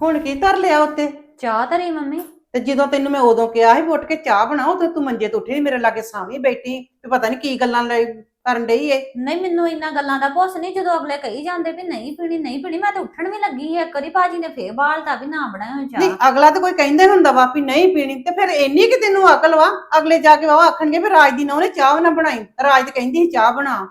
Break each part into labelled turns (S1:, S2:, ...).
S1: ਹੁਣ ਕੀ ਧਰ ਲਿਆ ਉੱਤੇ?
S2: ਚਾਹ ਧਰੀ ਮੰਮੀ।
S1: ਤੇ ਜਦੋਂ ਤੈਨੂੰ ਮੈਂ ਉਦੋਂ ਕਿਹਾ ਸੀ ਉੱਠ ਕੇ ਚਾਹ ਬਣਾਓ ਤੇ ਤੂੰ ਮੰਜੇ ਤੋਂ ਉੱਠੀ ਨੀ, ਮੇਰੇ ਲਾਗੇ ਸਾਵੇਂ ਬੈਠੀ ਤੇ ਪਤਾ ਨਹੀਂ ਕੀ ਗੱਲਾਂ ਕਰਨ ਡਈ ਏ।
S2: ਨਹੀਂ ਮੈਨੂੰ ਇੰਨਾ ਗੱਲਾਂ ਦਾ ਭੁੱਸ ਨਹੀਂ, ਜਦੋਂ ਅਗਲੇ ਕਹੀ ਜਾਂਦੇ ਵੀ ਨਹੀਂ ਪੀਣੀ ਨਹੀਂ ਪੀਣੀ, ਮੈਂ ਤਾਂ ਉੱਠਣ ਵੀ ਲੱਗੀ ਸੀ। ਇੱਕ ਵਾਰੀ ਭਾਜੀ ਨੇ ਫੇਰ ਬਾਲਤਾ ਵੀ ਨਾ ਬਣਾਇਓ
S1: ਨਹੀਂ
S2: ਚਾਹ।
S1: ਅਗਲਾ ਤਾਂ ਕੋਈ ਕਹਿੰਦੇ ਹੁੰਦਾ ਵਾ ਵੀ ਨਹੀਂ ਪੀਣੀ, ਤੇ ਫਿਰ ਇੰਨੀ ਕਿ ਤੈਨੂੰ ਅਕਲ ਵਾ? ਅਗਲੇ ਜਾ ਕੇ ਉਹ ਆਖਣਗੇ ਵੀ ਰਾਜ ਦੀ ਨਹੁੰ ਨੇ ਚਾਹ ਨਾ ਬਣਾਈ, ਰਾਜ ਤੇ ਕਹਿੰਦੀ ਸੀ ਚਾਹ ਬਣਾ।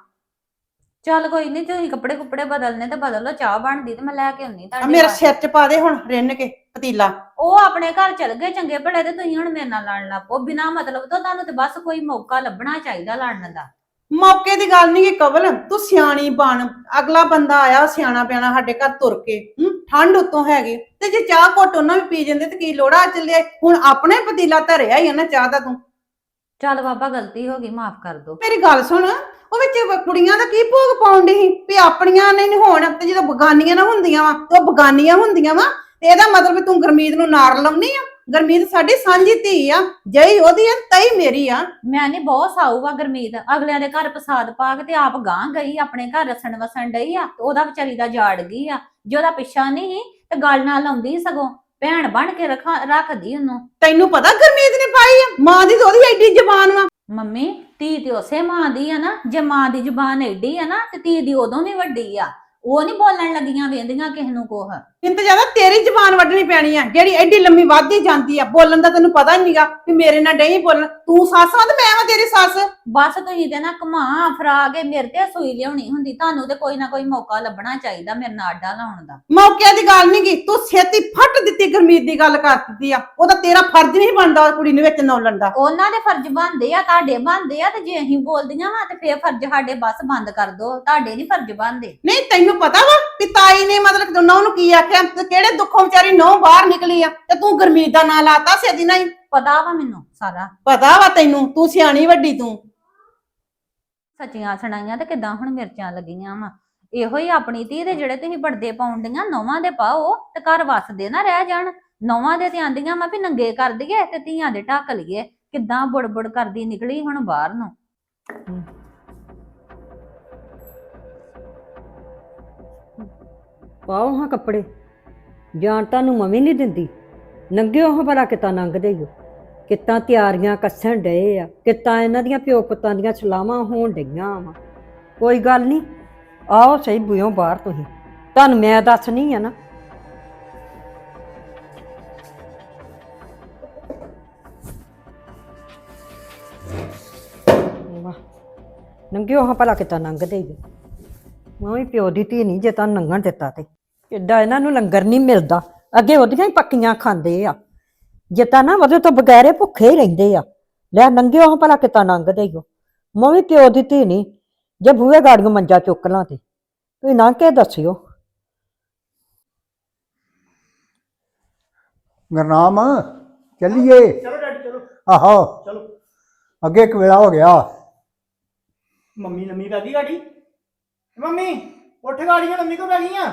S2: ਚੱਲ ਕੋਈ ਨਹੀਂ, ਤੁਸੀਂ ਕੱਪੜੇ ਕੁੱਪੜੇ ਬਦਲਨੇ ਤੇ ਬਦਲ ਲਓ, ਚਾਹ ਬਣਦੀ ਤੇ ਮੈਂ ਲੈ ਕੇ ਆਉਣੀ ਤੁਹਾਡੇ
S1: ਮੇਰੇ
S2: ਵਾਸਤੇ।
S1: ਸਿਰ 'ਚ ਪਾ ਦੇ ਹੁਣ ਰਿੰਨ ਕੇ ਪਤੀਲਾ।
S2: ਉਹ ਆਪਣੇ ਘਰ ਚਲ ਗਏ ਚੰਗੇ ਭਲੇ, ਤੇ ਤੁਸੀਂ ਹੁਣ ਮੇਰੇ ਨਾਲ ਲੜਨ ਲੱਗ ਪਓ ਬਿਨਾਂ ਮਤਲਬ ਤੋਂ। ਤੁਹਾਨੂੰ ਤੇ ਬਸ ਕੋਈ ਮੌਕਾ ਲੱਭਣਾ ਚਾਹੀਦਾ ਲੜਨ ਦਾ।
S1: ਮੌਕੇ ਦੀ ਗੱਲ ਨਹੀਂ ਕਿ ਕਵਲ, ਤੂੰ ਸਿਆਣੀ ਬਣ। ਅਗਲਾ ਬੰਦਾ ਆਇਆ ਸਿਆਣਾ ਪਿਆਣਾ ਸਾਡੇ ਘਰ ਤੁਰ ਕੇ, ਠੰਡ ਉਤੋਂ ਹੈਗੀ, ਤੇ ਜੇ ਚਾਹ ਘੁੱਟ ਉਹਨਾਂ ਵੀ ਪੀ ਜਾਂਦੇ ਤੇ ਕੀ ਲੋੜਾ ਚੱਲਿਆ? ਹੁਣ ਆਪਣੇ ਪਤੀਲਾ ਧਰਿਆ ਹੀ ਆ ਨਾ ਚਾਹ ਦਾ ਤੂੰ।
S2: ਚੱਲ ਬਾਬਾ ਗਲਤੀ ਹੋ ਗਈ, ਮਾਫ ਕਰ ਦੋ।
S1: ਮੇਰੀ ਗੱਲ ਸੁਣ, ਉਹ ਵਿੱਚ ਕੁੜੀਆਂ ਦਾ ਕੀ ਭੋਗ ਪਾਉਣ ਡਈ ਸੀ ਵੀ ਆਪਣੀਆਂ ਨਹੀਂ ਹੋਣ, ਤੇ ਜਦੋਂ ਬਗਾਨੀਆਂ ਨਾ ਹੁੰਦੀਆਂ ਵਾ ਤੇ ਉਹ ਬਗਾਨੀਆਂ ਹੁੰਦੀਆਂ ਵਾ, ਤੇ ਇਹਦਾ ਮਤਲਬ ਵੀ ਤੂੰ ਗੁਰਮੀਤ ਨੂੰ ਨਾਰ ਲਾਉਣੀ ਆ? ਗੁਰਮੀਤ ਸਾਡੀ ਸਾਂਝੀ ਧੀ ਆ, ਜਈ ਉਹਦੀ ਆ ਤਈ ਮੇਰੀ ਆ।
S2: ਮੈਂ ਨਹੀਂ ਬਹੁਤ ਸਾਊ ਵਾ ਗੁਰਮੀਤ, ਅਗਲਿਆਂ ਦੇ ਘਰ ਪ੍ਰਸਾਦ ਪਾ ਕੇ ਤੇ ਆਪ ਗਾਂ ਗਈ, ਆਪਣੇ ਘਰ ਰਸਣ ਵਸਣ ਡਈ ਆ, ਤੇ ਉਹਦਾ ਵਿਚਾਰੀ ਦਾ ਜਾੜ ਗਈ ਆ। ਜੇ ਉਹਦਾ ਪਿੱਛਾ ਨਹੀਂ ਤੇ ਗੱਲ ਨਾਲ ਲਾਉਂਦੀ, ਸਗੋਂ ਭੈਣ ਬਣ ਕੇ ਰੱਖਦੀ ਉਹਨੂੰ।
S1: ਤੈਨੂੰ ਪਤਾ ਗੁਰਮੀਤ ਨੇ ਪਾਈ ਆ? ਮਾਂ ਦੀ ਤਾਂ ਉਹਦੀ ਐਡੀ ਜ਼ਬਾਨ ਵਾ।
S2: ਮੰਮੀ ਧੀ ਤੇ ਉਸੇ ਮਾਂ ਦੀ ਆ ਨਾ, ਜੇ ਮਾਂ ਦੀ ਜ਼ੁਬਾਨ ਏਡੀ ਆ ਨਾ ਤੇ ਧੀ ਦੀ ਉਦੋਂ ਵੀ ਵੱਡੀ ਆ। ਉਹ ਨਹੀਂ ਬੋਲਣ ਲੱਗੀਆਂ ਵੇਂਦੀਆਂ ਕਿਸੇ ਨੂੰ ਕੋਹ।
S1: ਇੰਤ ਜ਼ਿਆਦਾ ਤੇਰੀ ਜ਼ਬਾਨ ਵੱਢਣੀ ਪੈਣੀ ਆ, ਜਿਹੜੀ ਐਡੀ ਲੰਮੀ ਵੱਧਦੀ ਜਾਂਦੀ ਆ। ਬੋਲਣ ਦਾ ਤੈਨੂੰ ਪਤਾ ਨਹੀਂਗਾ ਵੀ ਮੇਰੇ ਨਾਲ ਨਹੀਂ ਬੋਲਣ। ਤੂੰ ਸੱਸ ਆ ਤੇ ਮੈਂ ਵਾ ਤੇਰੀ ਸੱਸ।
S2: ਬਸ ਤੁਸੀਂ ਤੇ ਨਾ ਘੁਮਾ ਫਰਾ ਕੇ ਮੇਰੇ ਤੇ ਸੂਈ ਲਿਆਉਣੀ ਹੁੰਦੀ। ਤੁਹਾਨੂੰ ਤੇ ਕੋਈ ਨਾ ਕੋਈ ਮੌਕਾ ਲੱਭਣਾ ਚਾਹੀਦਾ ਮੇਰੇ ਨਾਲ ਆਡਾ ਲਾਉਣ ਦਾ।
S1: ਮੌਕਿਆਂ ਦੀ ਗੱਲ ਨੀ ਗੀ, ਤੂੰ ਛੇਤੀ ਫੱਟ ਦਿੱਤੀ ਗੁਰਮੀਤ ਦੀ ਗੱਲ ਕਰ ਦਿੱਤੀ ਆ। ਉਹਦਾ ਤੇਰਾ ਫਰਜ਼ ਨਹੀਂ ਬਣਦਾ ਕੁੜੀ ਨੂੰ ਵਿੱਚ ਨੌਲਣ ਦਾ।
S2: ਉਹਨਾਂ ਦੇ ਫਰਜ਼ ਬਣਦੇ ਆ, ਤੁਹਾਡੇ ਬਣਦੇ ਆ, ਤੇ ਜੇ ਅਸੀਂ ਬੋਲਦੀਆਂ ਵਾ ਤੇ ਫੇਰ ਫਰਜ਼ ਸਾਡੇ ਬਸ ਬੰਦ ਕਰ ਦੋ। ਤੁਹਾਡੇ ਨਹੀਂ ਫਰਜ਼ ਬਣਦੇ।
S1: ਨਹੀਂ ਤੈਨੂੰ ਪਤਾ ਵਾ ਕਿ ਤਾਈ ਨੇ ਮਤਲਬ ਦੋਨਾਂ ਨੂੰ ਕੀ ਆਖਿਆ, ਤੇ ਕਿਹੜੇ ਦੁੱਖੋਂ ਵਿਚਾਰੀ ਨਹੁੰ ਬਾਹਰ ਨਿਕਲੀ ਆ, ਤੇ ਤੂੰ ਗੁਰਮੀਤ ਦਾ ਨਾਂ ਲਾਤਾ ਸਿੱਧੀ ਨਹੀਂ?
S2: ਪਤਾ ਵਾ ਮੈਨੂੰ ਸਾਰਾ।
S1: ਪਤਾ ਵਾ ਤੈਨੂੰ, ਤੂੰ ਸਿਆਣੀ ਵੱਡੀ ਤੂੰ।
S2: ਸੱਚੀਆਂ ਸੁਣਾਈਆਂ ਤੇ ਕਿਦਾਂ ਹੁਣ ਮਿਰਚਾਂ ਲੱਗੀਆਂ ਵਾ। ਇਹੋ ਹੀ ਆਪਣੀ ਧੀ ਦੇ ਜਿਹੜੇ ਤੁਸੀਂ ਬੜਦੇ ਪਾਉਂਦੀਆਂ ਨੌਵਾਂ ਦੇ ਪਾਓ ਤੇ ਘਰ ਵਸਦੇ ਨਾ ਰਹਿ ਜਾਣ। ਨੌਵਾਂ ਦੇ ਤੇ ਆਂਦੀਆਂ ਵਾ ਵੀ ਨੰਗੇ ਕਰ ਦਈਏ ਤੇ ਧੀਆਂ ਦੇ ਢੱਕ ਲਈਏ। ਕਿੱਦਾਂ ਬੁੜਬੁੜ ਕਰਦੀ ਨਿਕਲੀ ਹੁਣ ਬਾਹਰ ਨੂੰ।
S3: ਪਾਓ ਹਾਂ ਕੱਪੜੇ, ਜਾਣ ਤੁਹਾਨੂੰ ਮੰਮੀ ਨਹੀਂ ਦਿੰਦੀ। ਨੰਗਿਓ ਹਾਂ ਭਲਾ ਕਿਤਾ ਲੰਘਦੇ ਹੋ, ਕਿਤਾ ਤਿਆਰੀਆਂ ਕੱਸਣ ਡਏ ਆ, ਕਿਤਾ ਇਹਨਾਂ ਦੀਆਂ ਪਿਓ ਪੁੱਤਾਂ ਦੀਆਂ ਸਲਾਹਾਂ ਹੋਣ ਡਈਆਂ ਵਾ। ਕੋਈ ਗੱਲ ਨਹੀਂ, ਆਓ ਸਹੀ ਬੁਇਓ ਬਾਹਰ। ਤੁਸੀਂ ਤੁਹਾਨੂੰ ਮੈਂ ਦੱਸਣੀ ਆ ਨਾ। ਨੰਗਿਓ ਹਾਂ ਭਲਾ ਕਿਤਾ ਲੰਘਦੇ ਹੋ। ਮੈਂ ਵੀ ਪਿਓ ਦੀ ਧੀ ਨਹੀਂ ਜੇ ਤੁਹਾਨੂੰ ਲੰਘਣ ਦਿੱਤਾ ਤੇ। ਕਿੱਡਾ ਇਹਨਾਂ ਨੂੰ ਲੰਗਰ ਨਹੀਂ ਮਿਲਦਾ, ਅੱਗੇ ਉਹਦੀਆਂ ਹੀ ਪੱਕੀਆਂ ਖਾਂਦੇ ਆ। ਜੇ ਤਾਂ ਨਾ ਉਹਦੇ ਤੋਂ ਬਗੈਰੇ ਭੁੱਖੇ ਹੀ ਰਹਿੰਦੇ ਆ। ਲੈ ਨੰਗਿਓ ਹਾਂ ਭਲਾ ਕਿਤਾ ਲੰਘਦੇ ਹੋ। ਮੈਂ ਵੀ ਪਿਓ ਦੀ ਧੀ ਨਹੀਂ ਜੇ ਬੂਹੇ ਗਾੜੀਆਂ ਮੰਜਾ ਚੁੱਕ ਲਾਂ ਤੇ ਤੁਸੀਂ ਲੰਘ ਕੇ ਦੱਸਿਓ।
S4: ਗੁਰਨਾਮ ਚੱਲੀਏ।
S5: ਚਲੋ ਡੈਡੀ ਚਲੋ।
S4: ਆਹੋ
S5: ਚਲੋ।
S4: ਅੱਗੇ ਇੱਕ ਵੇਲਾ ਹੋ ਗਿਆ।
S5: ਮੰਮੀ ਲੰਮੀ ਪੈ ਗਈ ਗਾੜੀ। ਮੰਮੀ ਉੱਠ, ਗਾੜੀਆਂ ਲੰਮੀ ਕਿਉਂ ਪੈ ਗਈਆਂ?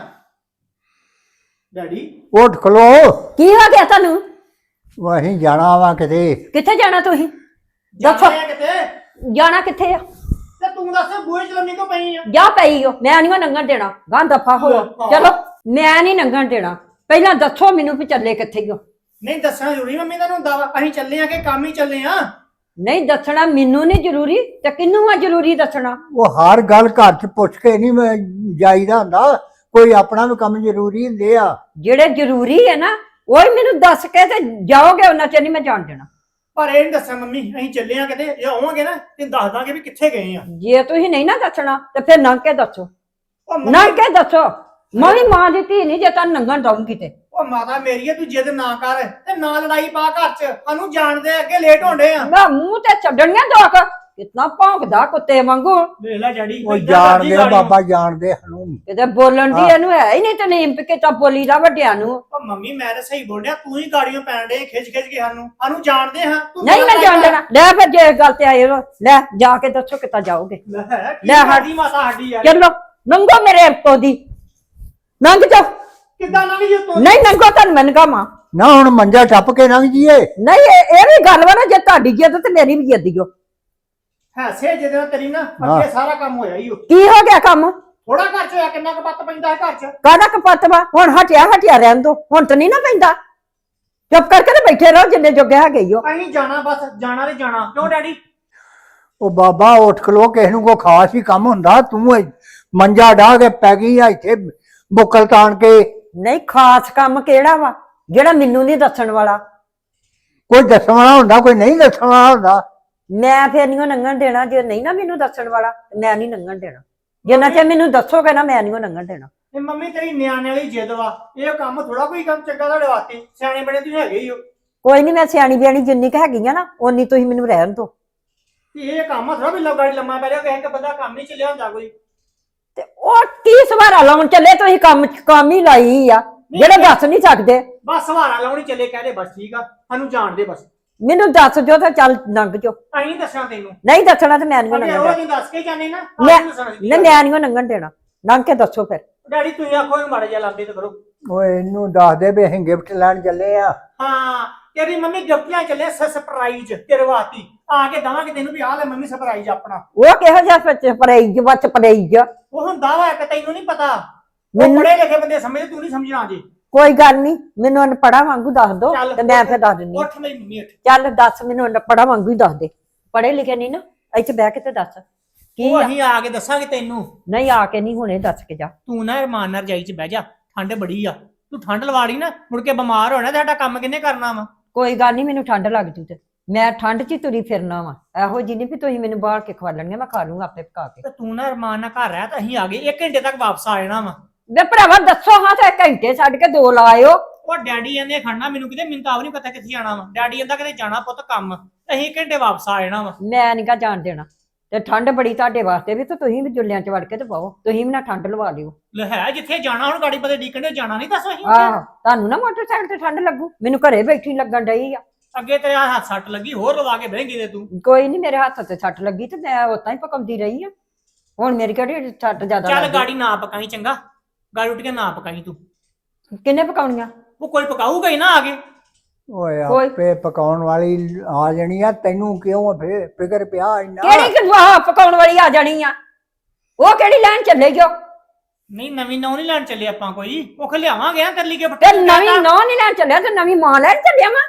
S5: ਡੈਡੀ
S4: ਉੱਠ ਖਲੋ।
S3: ਕੀ ਹੋ ਗਿਆ ਤੁਹਾਨੂੰ?
S4: ਵਾਹੀਂ ਜਾਣਾ ਵਾ ਕਿਤੇ।
S3: ਕਿੱਥੇ ਜਾਣਾ ਤੁਸੀਂ?
S5: ਜਾਣਾ ਆ ਕਿਤੇ?
S3: ਜਾਣਾ ਕਿੱਥੇ ਆ?
S5: ਤੇ ਤੂੰ ਦੱਸ ਬੂਹੇ ਚ ਲੰਮੀ ਕਿਉਂ ਪਈ ਆ?
S3: ਜਾ ਪਈ ਹੋ, ਮੈਂ ਨਹੀਂ ਲੰਘਣ ਦੇਣਾ। ਗਾਂ ਦਫਾ ਹੋ। ਚਲੋ ਮੈਂ ਨਹੀਂ ਲੰਘਣ ਦੇਣਾ। ਪਹਿਲਾਂ ਦੱਸੋ ਮੈਨੂੰ ਵੀ ਚੱਲੇ ਕਿੱਥੇ ਹੋ।
S5: ਨਹੀਂ ਦੱਸਣਾ ਜ਼ਰੂਰੀ ਮੰਮੀ ਤੁਹਾਨੂੰ ਹੁੰਦਾ ਵਾ। ਅਸੀਂ ਚੱਲੇ ਆ ਕਿ ਕੰਮ ਹੀ ਚੱਲੇ ਆ?
S3: ਨਹੀਂ ਦੱਸਣਾ ਮੈਨੂੰ ਨਹੀਂ ਜ਼ਰੂਰੀ ਤੇ ਕਿਹਨੂੰ ਆ ਜ਼ਰੂਰੀ ਦੱਸਣਾ?
S4: ਉਹ ਹਰ ਗੱਲ ਘਰ ਚ ਪੁੱਛ ਕੇ ਨਹੀਂ ਮੈਂ ਜਾਈਦਾ ਹੁੰਦਾ। ਕੋਈ ਆਪਣਾ ਵੀ ਕੰਮ ਜ਼ਰੂਰੀ ਹੁੰਦੇ ਆ।
S3: ਜਿਹੜੇ ਜ਼ਰੂਰੀ ਹੈ ਨਾ ਉਹ ਹੀ ਮੈਨੂੰ ਦੱਸ ਕੇ ਤੇ ਜਾਓਗੇ, ਉਹਨਾਂ ਚ ਨਹੀਂ ਮੈਂ ਜਾਣ ਦੇਣਾ।
S5: ਪਰ ਇਹ ਨਹੀਂ ਦੱਸਣਾ ਮੰਮੀ, ਅਸੀਂ ਚੱਲੇ ਆ ਕਿਤੇ। ਜੇ ਆਵਾਂਗੇ ਨਾ ਤੇ ਦੱਸ ਦਾਂਗੇ ਵੀ ਕਿੱਥੇ ਗਏ ਆ।
S3: ਜੇ ਤੁਸੀਂ ਨਹੀਂ ਨਾ ਦੱਸਣਾ ਤੇ ਫਿਰ ਲੰਘ ਕੇ ਦੱਸੋ।
S5: ਉਹ ਮੰਮੀ-
S3: ਲੰਘ ਕੇ ਦੱਸੋ। ਮੈਂ ਵੀ ਮਾਂ ਦੀ ਧੀ ਨਹੀਂ ਜੇ ਤੁਹਾਨੂੰ ਲੰਘਣ ਦਊਂਗੀ ਤੇ।
S5: ਉਹ ਮਾਤਾ ਮੇਰੀ ਆ, ਤੂੰ ਜਿੱਦ ਨਾ ਕਰ ਤੇ ਨਾ ਲੜਾਈ ਪਾ ਘਰ ਚ। ਸਾਨੂੰ ਜਾਣਦੇ ਅੱਗੇ ਲੇਟ ਹੋਣਦੇ ਆ।
S3: ਮੈਂ ਮੂੰਹ ਤੇ ਛੱਡਣੀਆਂ ਦੋਕ। ਕਿਤਨਾ ਭੌਂਕਦਾ ਕੁੱਤੇ ਵਾਂਗੂ।
S5: ਵੇਖ ਲੈ ਡੈਡੀ
S4: ਉਹ ਜਾਣਦੇ ਆ ਬਾਬਾ, ਜਾਣਦੇ ਸਾਨੂੰ।
S3: ਕਿਤੇ ਬੋਲਣ ਦੀ ਇਹਨੂੰ ਹੈ ਹੀ ਨਹੀਂ ਤੇ ਨੀਮ ਕੇ ਤਾਂ ਬੋਲੀ ਦਾ ਵੱਡਿਆਂ ਨੂੰ।
S5: ਉਹ ਮੰਮੀ ਮੈਂ ਤਾਂ ਸਹੀ ਬੋਲਿਆ, ਤੂੰ ਹੀ ਗਾੜੀਆਂ ਪੈਣ ਡੇ ਖਿੱਚ ਕੇ ਸਾਨੂੰ ਜਾਣਦੇ ਹਾਂ। ਤੂੰ
S3: ਨਹੀਂ ਮੈਂ ਜਾਣ ਦੇਣਾ। ਲੈ ਫਿਰ ਜੇ ਗੱਲ ਤੇ ਆਏ ਹੋ, ਲੈ ਜਾ ਕੇ ਦੱਸੋ ਕਿੱਦਾਂ ਜਾਓਗੇ।
S5: ਲੈ ਸਾਡੀ ਮਾਤਾ ਸਾਡੀ ਯਾਰ।
S3: ਚਲੋ ਲੰਘੋ ਮੇਰੇ ਤੋਂ ਦੀ। ਲੰਘ ਜਾਓ।
S5: ਕਿੱਦਾਂ ਨਾ ਵੀ ਤੂੰ?
S3: ਨਹੀਂ ਲੰਘੋ ਤੁਹਾਨੂੰ ਮੈਂ ਲੰਘਾਵਾਂ।
S4: ਨਾ ਹੁਣ ਮੰਜਾ ਟੱਪ ਕੇ ਲੰਘ ਜੀਏ।
S3: ਨਹੀਂ ਇਹ ਵੀ ਗੱਲ ਵਾ ਨਾ, ਜੇ ਤੁਹਾਡੀ ਜਿੱਦ ਤੇ ਮੇਰੀ ਵੀ ਜਿੱਦ ਓ।
S5: ਹੈਸੇ ਜਿਹਦੇ ਨਾਲ ਤੇਰੀ ਨਾ ਅੱਗੇ ਸਾਰਾ ਕੰਮ ਹੋਇਆ ਹੀ।
S3: ਕੀ ਹੋ ਗਿਆ ਕੰਮ?
S5: ਥੋੜਾ ਘਰ ਚ ਹੋਇਆ ਕਿੰਨਾ ਕਪੱਤ ਪੈਂਦਾ ਹੈ ਘਰ ਚ।
S3: ਕਾਹਦਾ ਕਪੱਤ ਵਾ ਹੁਣ ਹਟਿਆ ਰਹਿਣ ਦੋ ਹੁਣ ਤਾਂ ਨਹੀਂ ਨਾ ਪੈਂਦਾ ਚੁੱਪ ਕਰਕੇ ਤੇ ਬੈਠੇ ਰਹੋ ਜਿੰਨੇ ਜੋਗੇ ਹੈਗੇ ਈ ਓ।
S5: ਅਸੀਂ ਜਾਣਾ ਬਸ ਜਾਣਾ ਤੇ ਜਾਣਾ ਕਿਉਂ ਡੈਡੀ?
S4: ਉਹ ਬਾਬਾ ਉੱਠ ਖਲੋ ਕਿਸੇ ਨੂੰ ਕੋਈ ਖਾਸ ਹੀ ਕੰਮ ਹੁੰਦਾ ਤੂੰ ਮੰਜਾ ਢਾ ਕੇ ਪੈ ਗਈ ਆ ਇੱਥੇ ਬੁੱਕਲ ਤਾਣ ਕੇ।
S3: ਨਹੀਂ ਖਾਸ ਕੰਮ ਕਿਹੜਾ ਵਾ ਜਿਹੜਾ ਮੈਨੂੰ ਨਹੀਂ ਦੱਸਣ ਵਾਲਾ?
S4: ਕੋਈ ਦੱਸਣ ਵਾਲਾ ਹੁੰਦਾ ਕੋਈ ਨਹੀਂ ਦੱਸਣ ਵਾਲਾ ਹੁੰਦਾ।
S3: ਮੈਂ ਫੇਰ ਨਹੀਂ ਲੰਘਣ ਦੇਣਾ ਜੇ ਨਹੀਂ ਨਾ ਮੈਨੂੰ ਦੱਸਣ ਵਾਲਾ ਮੈਂ ਨਹੀਂ ਲੰਘਣ ਦੇਣਾ ਜਿੰਨਾ ਚਿਰ ਮੈਨੂੰ ਦੱਸੋਗੇ ਨਾ ਮੈਂ ਨਹੀਂ ਲੰਘਣ ਦੇਣਾ।
S5: ਇਹ ਮੰਮੀ ਤੇਰੀ ਨਿਆਣੇ ਵਾਲੀ ਜਿੱਦ ਵਾ, ਇਹ ਕੰਮ ਥੋੜਾ ਕੋਈ ਕੰਮ ਚੰਗਾ ਤੁਹਾਡੇ ਵਾਸਤੇ, ਸਿਆਣੇ ਬਣੇ ਤੁਸੀਂ ਹੈਗੇ ਹੀ ਹੋ।
S3: ਕੋਈ ਨਹੀਂ ਮੈਂ ਸਿਆਣੀ ਬਿਆਣੀ ਜਿੰਨੀ ਕੁ ਹੈਗੀ ਆ ਨਾ ਓਨੀ ਤੁਸੀਂ ਮੈਨੂੰ ਰਹਿਣ ਦਿਓ।
S5: ਤੇ ਇਹ ਕੰਮ ਥੋੜਾ ਵੀ ਗਾੜੀ ਲੰਮਾ ਪੈ ਰਿਹਾ, ਕਿਸੇ ਬੰਦਾ ਕੰਮ ਨਹੀਂ ਚੱਲਿਆ ਹੁੰਦਾ ਕੋਈ।
S3: ਤੇ ਉਹ ਕੀ ਸਵਾਰਾ ਲਾਉਣ ਚੱਲੇ ਤੁਸੀਂ ਕੰਮ ਹੀ ਲਾਈ ਆ ਜਿਹੜੇ ਦੱਸ ਨਹੀਂ ਸਕਦੇ।
S5: ਬਸ ਸਹਾਰਾ ਲਾਉਣੀ ਚੱਲੇ ਕਹਦੇ ਬਸ ਠੀਕ ਆ, ਸਾਨੂੰ ਜਾਣ ਦੇ ਬਸ।
S3: ਮੈਨੂੰ ਦੱਸ ਜੋ ਤਾਂ ਚੱਲ ਲੰਘ ਜੋ।
S5: ਅਸੀਂ ਦੱਸਾਂ ਤੈਨੂੰ?
S3: ਨਹੀਂ ਦੱਸਣਾ ਤੇ ਮੈਂ ਨਹੀਂ
S5: ਅੱਗੇ
S3: ਲੰਘਣ
S5: ਉਹ
S3: ਦੇਣਾ।
S5: ਨਹੀਂ ਦੱਸ ਕੇ ਜਾਣੇ ਨਾ,
S3: ਮੈਂ
S5: ਆਪ ਨੂੰ ਦੱਸਣਾ ਸੀ।
S3: ਮੈਂ ਨਹੀਂ ਲੰਘਣ ਦੇਣਾ ਲੰਘ ਕੇ ਦੱਸੋ ਫਿਰ।
S5: ਡੈਡੀ ਤੁਸੀਂ ਆਖੋ ਇਹਨੂੰ ਮਾੜਾ ਜਿਹਾ ਲਾਂਦੇ ਤੇ ਕਰੋ।
S4: ਓਏ ਇਹਨੂੰ ਦੱਸ ਦੇ ਵੀ ਅਸੀਂ ਗਿਫਟ ਲੈਣ ਚੱਲੇ ਆ।
S5: ਹਾਂ ਤੇਰੀ ਮੰਮੀ ਗਿਫਟ ਲੈਣ ਚੱਲੇ ਸਰਪ੍ਰਾਈਜ਼ ਤੇਰੇ ਵਾਸਤੇ, ਆ ਕੇ ਦਵਾਂਗੇ ਤੈਨੂੰ ਵੀ ਆਹ ਲੈ ਮੰਮੀ ਸਰਪ੍ਰਾਈਜ਼ ਆਪਣਾ।
S3: ਉਹ ਕਿਹੋ ਜਿਹਾ ਪਰੇਜ ਬੱਚ ਪਰੇਜ
S5: ਉਹ ਹੁੰਦਾ ਵਾ ਕਿ ਤੈਨੂੰ ਨਹੀਂ ਪਤਾ, ਉਹ
S3: ਮੈਨੂੰ-
S5: ਪੜ੍ਹੇ ਲਿਖੇ ਬੰਦੇ ਸਮਝਦੇ, ਤੂੰ ਨਹੀਂ ਸਮਝਣਾ ਜੇ।
S3: ਕੋਈ ਗੱਲ ਨਹੀਂ ਮੈਨੂੰ ਅਨਪੜਾ ਵਾਂਗੂ ਦੱਸ ਦੋ
S5: ਚੱਲ
S3: ਤੇ ਮੈਂ ਫਿਰ ਦੱਸ ਦਿੰਦੀ ਹਾਂ।
S5: ਉੱਠ ਮੇਰੀ ਮੰਮੀ ਉੱਠ।
S3: ਚੱਲ ਦੱਸ ਮੈਨੂੰ ਅਨਪੜਾ ਵਾਂਗੂ ਹੀ ਦੱਸ ਦੇ ਪੜੇ ਲਿਖੇ ਨਹੀਂ ਨਾ ਇੱਥੇ ਬਹਿ ਕੇ ਤੇ ਦੱਸ ਕੀ
S5: ਉਹ
S3: ਆ?
S5: ਅਸੀਂ ਆ ਕੇ ਦੱਸਾਂਗੇ ਤੈਨੂੰ।
S3: ਨਹੀਂ ਆ ਕੇ ਨਹੀਂ ਹੁਣੇ ਦੱਸ ਕੇ ਜਾ।
S5: ਤੂੰ ਨਾ ਰਮਾਨ ਨਾਲ ਰਜਾਈ 'ਚ ਬਹਿ ਜਾ, ਠੰਡ ਬੜੀ ਆ, ਤੂੰ ਠੰਡ ਲਵਾੜੀ ਨਾ ਮੁੜ ਕੇ ਬਿਮਾਰ ਹੋਣਾ, ਸਾਡਾ ਕੰਮ ਕਿੰਨੇ ਕਰਨਾ ਵਾ?
S3: ਕੋਈ ਗੱਲ ਨਹੀਂ ਮੈਨੂੰ ਠੰਡ ਲੱਗ ਜੂ ਤੇ ਮੈਂ ਠੰਡ 'ਚ ਹੀ ਤੁਰੀ ਫਿਰਨਾ ਵਾ ਇਹੋ ਜਿਹੀ ਨਹੀਂ ਵੀ ਤੁਸੀਂ ਮੈਨੂੰ ਬਾਹਰ ਕੇ ਖਵਾ ਲੈਣਗੇ ਮੈਂ ਖਾ ਲੂੰਗਾ ਆਪੇ ਪਕਾ ਕੇ।
S5: ਤੇ ਤੂੰ ਨਾ ਰਮਾਨ ਨਾਲ ਘਰ ਰਹਿ, ਤਾਂ ਅਸੀਂ ਆ ਗਏ 1 ਘੰਟੇ ਤੱਕ ਵਾਪਸ ਆ ਜਾਣਾ ਵਾ।
S3: ਵੇ ਭਰਾਵਾ ਦੱਸੋ ਹਾਂ ਤੇ ਘੰਟੇ ਛੱਡ ਕੇ 2 ਲਾਇਓ।
S5: ਉਹ ਡੈਡੀ ਕਹਿੰਦੇ ਖੜਨਾ ਮੈਨੂੰ ਕਿਤੇ, ਮੈਨੂੰ ਤਾਂ ਆਪ ਨਹੀਂ ਪਤਾ ਕਿੱਥੇ ਜਾਣਾ ਵਾ। ਡੈਡੀ ਕਹਿੰਦਾ ਕਿਤੇ ਜਾਣਾ ਪੁੱਤ ਕੰਮ, ਤੇ ਅਸੀਂ 1 ਘੰਟੇ ਵਾਪਸ ਆ ਜਾਣਾ ਵਾ।
S3: ਮੈਂ ਨਹੀਂ ਕਾ ਜਾਣ ਦੇਣਾ ਤੇ ਠੰਡ ਬੜੀ ਤੁਹਾਡੇ ਵਾਸਤੇ ਵੀ ਤੇ ਤੁਸੀਂ ਵੀ ਜੁੱਲਿਆਂ 'ਚ ਵੜ ਕੇ ਤੇ ਪਾਓ ਤੁਸੀਂ ਵੀ ਨਾ ਠੰਡ ਲਵਾ ਲਿਓ।
S5: ਲੈ ਹੈ ਜਿੱਥੇ ਜਾਣਾ ਹੁਣ ਗਾੜੀ ਪਤੇ ਡੀਕਣ ਦੇ ਜਾਣਾ ਨਹੀਂ, ਦੱਸੋ ਅਸੀਂ
S3: ਆਹ ਤੁਹਾਨੂੰ ਨਾ ਮੋਟਰਸਾਈਕਲ ਤੇ ਠੰਡ ਲੱਗੂ ਮੈਨੂੰ ਘਰੇ ਬੈਠੀ ਲੱਗਣ ਡਈ ਆ।
S5: ਅੱਗੇ ਤੇਰੇ ਹੱਥ ਸੱਟ ਲੱਗੀ, ਹੋਰ ਲਵਾ ਕੇ ਬਹਿ ਗਈ ਤੇ ਤੂੰ।
S3: ਕੋਈ ਨਹੀਂ ਮੇਰੇ ਹੱਥ ਤੇ ਛੱਟ ਲੱਗੀ ਤੇ ਮੈਂ ਉਤਾਂ ਹੀ ਪਕਾਉਂਦੀ ਰਹੀ ਆ ਹੁਣ ਮੇਰੀ ਕਿਹੜੀ ਛੱਟ ਜ਼ਿਆਦਾ
S5: ਚੱਲ
S3: ਲੱਗੀ?
S5: ਗਾੜੀ ਨਾ ਪਕਾਈ ਚੰਗਾ, ਗਾੜੀ ਉੱਠ ਕੇ ਨਾ ਪਕਾਈ ਤੂੰ।
S3: ਕਿੰਨੇ ਪਕਾਉਣੀਆਂ?
S5: ਉਹ ਕੋਈ ਪਕਾਊਗਾ ਹੀ ਨਾ ਆ ਕੇ।
S4: ਓਏ
S3: ਕੋਈ-
S4: ਆਪੇ ਪਕਾਉਣ ਵਾਲੀ ਆ ਜਾਣੀ ਆ ਤੈਨੂੰ ਕਿਉਂ ਫੇ ਫਿਕਰ ਪਿਆ ਇੰਨਾ?
S3: ਕਿਹੜੀ ਗਵਾਹ ਪਕਾਉਣ ਵਾਲੀ ਆ ਜਾਣੀ ਆ? ਉਹ ਕਿਹੜੀ ਲੈਣ ਚੱਲੇ ਜੋ?
S5: ਨਹੀਂ ਨਵੀਂ ਨੌ ਨਹੀਂ ਲੈਣ ਚੱਲੇ ਆਪਾਂ ਕੋਈ, ਉਹ ਲਿਆਵਾਂਗੇ ਆ ਤਰਲੀ ਕੇ
S3: ਤੇ ਨਵੀਂ ਨੌ ਨਹੀਂ ਲੈਣ ਚੱਲਿਆ ਤੇ ਨਵੀਂ ਮਾਂ ਲੈਣ ਚੱਲਿਆ ਵਾ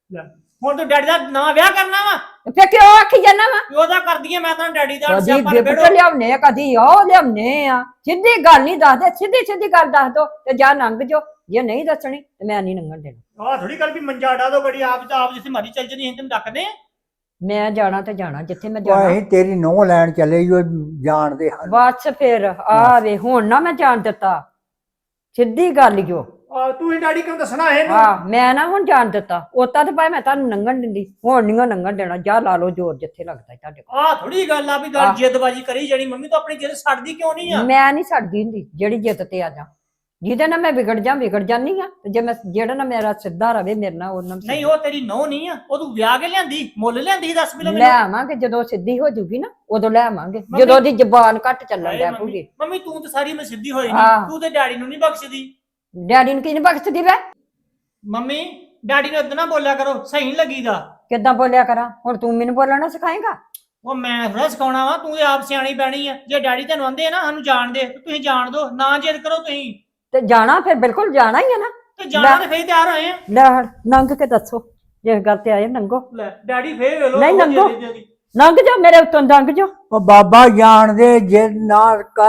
S5: ਹੁਣ ਤੂੰ ਡੈਡੀ ਦਾ ਨਵਾਂ ਵਿਆਹ ਕਰਨਾ ਵਾ?
S3: ਫੇ ਕਿਉਂ ਆਖੀ ਜਾਣਾ ਵਾ?
S5: ਉਹਦਾ ਕਰਦੀ ਆ ਮੈਂ ਤਾਂ ਡੈਡੀ ਦਾ
S3: ਕਦੀ
S5: ਸਿਆਪਾ
S3: ਗਿਫਟ
S5: ਨਿਬੇੜੋ।
S3: ਲਿਆਉਨੇ ਆ ਕਦੀ ਉਹ ਲਿਆਉਨੇ ਆ ਸਿੱਧੀ ਗੱਲ ਨਹੀਂ ਦੱਸਦੇ ਸਿੱਧੀ ਗੱਲ ਦੱਸ ਦੋ ਤੇ ਜਾ ਲੰਘ ਜੋ ਜੇ ਨਹੀਂ ਦੱਸਣੀ ਤੇ ਮੈਂ ਨਹੀਂ ਲੰਘਣ ਦੇਣਾ।
S5: ਆਹ ਥੋੜੀ ਗੱਲ ਵੀ ਮੰਜਾ ਡਾ ਦੋ ਗੜੀ ਆਪ ਜਿੱਥੇ ਮਰਜ਼ੀ ਚੱਲ ਜਣੀ, ਅਸੀਂ ਤੈਨੂੰ ਡੱਕਦੇ ਆ।
S3: ਮੈਂ ਜਾਣਾ ਤੇ ਜਾਣਾ ਜਿੱਥੇ ਮੈਂ
S4: ਓਏ
S3: ਜਾਣਾ
S4: ਅਸੀਂ ਤੇਰੀ ਨਹੁੰ ਲੈਣ ਚੱਲੇ ਈ ਓ ਜਾਣਦੇ ਹਨ।
S3: ਬਸ ਫਿਰ ਆ ਵੇ ਹੁਣ ਨਾ ਮੈਂ ਜਾਣ ਦਿੱਤਾ ਸਿੱਧੀ ਗੱਲ ਜੋ
S5: ਤੂੰ ਹੀ ਡੈਡੀ ਕਿਉਂ ਦੱਸਣਾ ਇਹਨੂੰ?
S3: ਹਾਂ ਮੈਂ ਨਾ ਹੁਣ ਜਾਣ ਦਿੱਤਾ ਉਤਾਂ ਤੇ ਭਾਵੇਂ ਮੈਂ ਤੁਹਾਨੂੰ ਲੰਘਣ ਦਿੰਦੀ ਹੁਣ ਨਹੀਂ ਲੰਘਣ ਦੇਣਾ ਜਾ ਲਾ ਲਓ ਜ਼ੋਰ ਜਿੱਥੇ ਲੱਗਦਾ ਤੁਹਾਡੇ ਕੋਲ।
S5: ਆਹ ਥੋੜੀ ਗੱਲ ਆ ਵੀ ਗੱਲ ਜਿੱਦਬਾਜੀ ਕਰੀ ਜਾਣੀ। ਮੰਮੀ ਤੂੰ ਆਪਣੀ ਜਿੱਦ ਛੱਡਦੀ ਕਿਉਂ ਨਹੀਂ ਆ?
S3: ਮੈਂ ਨਹੀਂ ਛੱਡਦੀ ਹੁੰਦੀ ਜਿਹੜੀ ਜਿੱਤ ਤੇ ਆ ਜਾ ਜਿਹਦੇ ਨਾਲ ਮੈਂ ਵਿਗੜ ਜਾਨੀ ਆ ਤੇ ਜੇ ਮੈਂ ਜਿਹੜਾ ਨਾ ਮੇਰਾ ਸਿੱਧਾ ਰਵੇ ਮੇਰੇ ਨਾਲ ਉਹਨਾਂ
S5: ਨਹੀਂ ਉਹ ਤੇਰੀ ਨੌ ਨਹੀਂ ਆ, ਉਹ ਤੂੰ ਵਿਆਹ ਕੇ ਲਿਆਂਦੀ, ਮੁੱਲ ਲਿਆਂਦੀ, ਦੱਸ
S3: ਲੈ
S5: ਮੈਨੂੰ।
S3: ਆਵਾਂਗੇ ਜਦੋਂ ਸਿੱਧੀ ਹੋ ਜੂਗੀ ਨਾ ਉਦੋਂ ਲੈ ਆਵਾਂਗੇ ਜਦੋਂ ਉਹਦੀ ਜ਼ਬਾਨ ਘੱਟ ਚੱਲਣ
S5: ਹਾਏ
S3: ਲੱਗ
S5: ਮੰਮੀ
S3: ਪੂਗੀ।
S5: ਮੰਮੀ ਤੂੰ ਤਾਂ ਸਾਰੀ ਮੈਂ ਸਿੱਧੀ ਹੋਈ
S3: ਆਹ।
S5: ਨਹੀਂ, ਤੂੰ ਤੇ ਡੈਡੀ ਨੂੰ ਨਹੀਂ ਬਖਸ਼ਦੀ।
S3: ਡੈਡੀ ਨੂੰ ਕੀ ਨੀ ਬਖਸ਼ਦੀ ਵੇ?
S5: ਮੰਮੀ ਡੈਡੀ ਨੂੰ ਇਦਾਂ ਨਾ ਬੋਲਿਆ ਕਰੋ, ਸਹੀ ਨਹੀਂ ਲੱਗੀਦਾ।
S3: ਕਿੱਦਾਂ ਬੋਲਿਆ ਕਰਾਂ ਹੁਣ ਤੂੰ ਮੈਨੂੰ ਬੋਲਣਾ ਸਿਖਾਏਂਗਾ?
S5: ਉਹ ਮੈਂ ਥੋੜਾ ਸਿਖਾਉਣਾ ਵਾ, ਤੂੰ ਤੇ ਆਪ ਸਿਆਣੀ ਪੈਣੀ ਆ। ਜੇ ਡੈਡੀ ਤੈਨੂੰ ਆਂਦੇ ਆ ਨਾ ਸਾਨੂੰ ਜਾਣ ਦੇ, ਤੇ ਤੁਸੀਂ ਜਾਣ ਦੋ, ਨਾ ਜਿੱਦ ਕਰੋ ਤੁਸੀਂ।
S3: ਤੇ ਜਾਣਾ ਫਿਰ ਬਿਲਕੁਲ ਜਾਣਾ ਹੀ ਆ ਨਾ।
S5: ਤੇ ਜਾਣਾ ਤੇ ਫੇਰ ਤਿਆਰ ਹੋਏ ਆ।
S3: ਲੈ ਲੰਘ ਕੇ ਦੱਸੋ ਜੇ ਗੱਲ ਤੇ ਆਏ ਲੰਘੋ।
S5: ਲੈ ਡੈਡੀ ਫੇਰ ਵੇਲੋ
S3: ਨਹੀਂ ਲੰਘੋ ਲੰਘ ਜਾ ਮੇਰੇ ਉੱਤੋਂ ਲੰਘ ਜਾ।
S4: ਉਹ ਬਾਬਾ ਜਾਣਦੇ ਜੇ ਨਾ